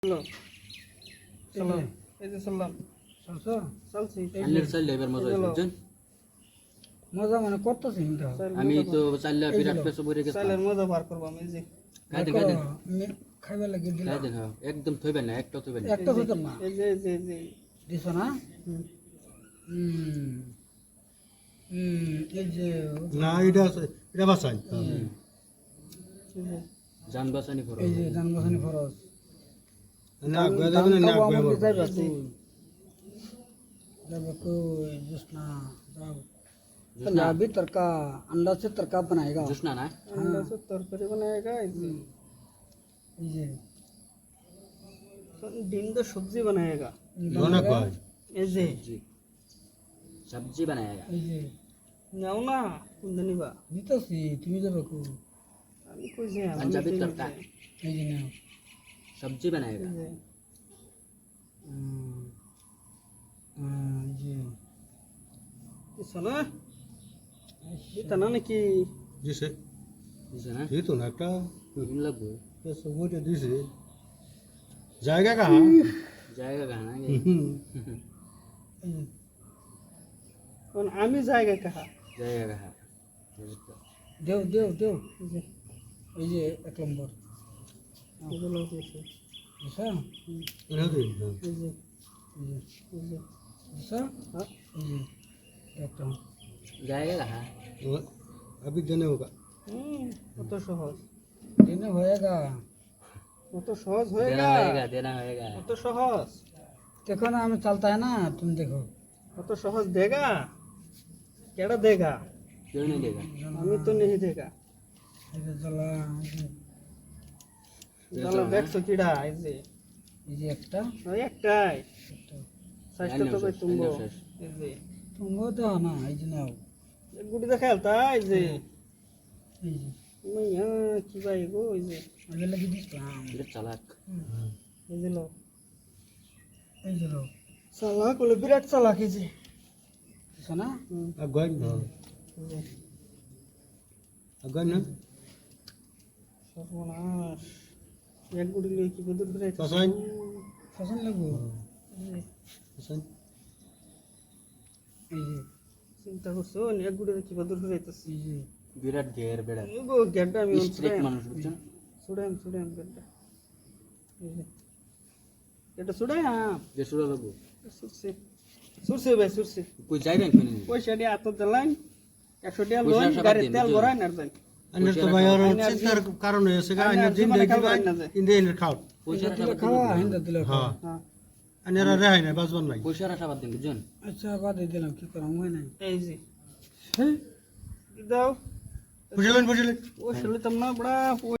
চলো চলো এই যে চললাম চলছো চলছি আন্নের চাইলে এবার মজা হইছে বুঝছেন মজা মানে করতেছি কিন্তু আমি তো চাইলে বিরাট পেছো ভরে গেছে চাইলের মজা বার করব আমি যে খাইদেন খাইবার লাগি দিলাম খাইদেন হ্যাঁ একদম থইবেন না একটা থইবেন না একটা হইতাম না এই যে যে যে দিছ না এই যে না এটা বাঁচাই জান বাঁচানি করো এই যে ধান বাসানি খরচ না গয়া যাবে না গয়া মরবে যাইবা তুই যাইবা कोई जिसना जाओ पंजाबी तड़का अंडा से तड़का बनाएगा जुसना ना अंडा से तरकारी बनाएगा এই যে ডিম দা সবজি बनाएगा दोना কয় এই যে जी सब्जी बनाएगा এই যে নাও না কোন নিবা নিতেছি তুমি যাবে কো আমি কই যে पंजाबी तड़का এই যে নাও सब्जी बनाएगा এই যে শোনা এটা না নাকি দিছে বুঝছে না দিত না একটা इन लगबो সব ওইটা দিছে জায়গা কা जाएगा कहां এই যে কোন আমি জায়গা কাহা जाएगा कहां দেও দেও দেও এই যে এই যে এক নম্বর এগুলো দিয়েছে দিছা এটা দিন এই যে এই যে এই যে দিছা হ্যাঁ এই যে একটা जाएगा कहां अभी देने होगा কত সহজ দিনে হয়েগা কত সহজ देना হয়েগা देना होएगा কত সহজ देखो ना हमें चलता है ना तुम देखो কত সহজ দেगा কেডা দেगा क्यों नहीं देगा আমি তো नहीं देगा ये चला জালা দেখছো কিডা এই যে ये একটা ওই একটাই একটা সাইজটা তো কই তুমবো শেষ। এই যে तुम वो तो ना এই যে নাও এক গুটি দেখালতা এই যে এই যে মাইয়া কি ভাই গো এই যে আগে লাগি দিলাম ये चालाक এই যে লো এই যে নাও চালাক বলে বিরাট চালাক এই যে দিছো না अब गए ना এই যে अब गए ना সর্বনাশ এক গুটি লই কি বদুর করে কসাই ফসল লাগবো पसंद এই যে চিন্তা করছো এক গুটি কি বদুর করে আইতাছি এই যে विराट घेर बेड़ा গো গেড্ডা আমি स्ट्रिक्ट মানুষ বুঝছেন সুড়াম গেড্ডা এই যে এটা সুড়াম যে শুরু লাগবো সুরসে ভাই সুরসে কই যাইবেন কোন পয়সা দিয়ে হাতত দিলাম 100 টাকা লোন পয়সা গাড়ির দিন, তেল বুঝলেন? ভরাই না যাই अन्य तो भाई और चिंतार कारण है से अन्य दिन दे इंदे इन खाओ পয়সা দিলে খাওয়া হিন্দা দিলে খাওয়া हां হ্যাঁ अन्य रहे ना बस बन नहीं পয়সার আশা বাদ দিন বুঝছেন আচ্ছা বাদ দিয়ে দিলাম কি করাম হয় নাই এই যে হ্যাঁ দাও बुझलेन ও শুনলাম না বড়া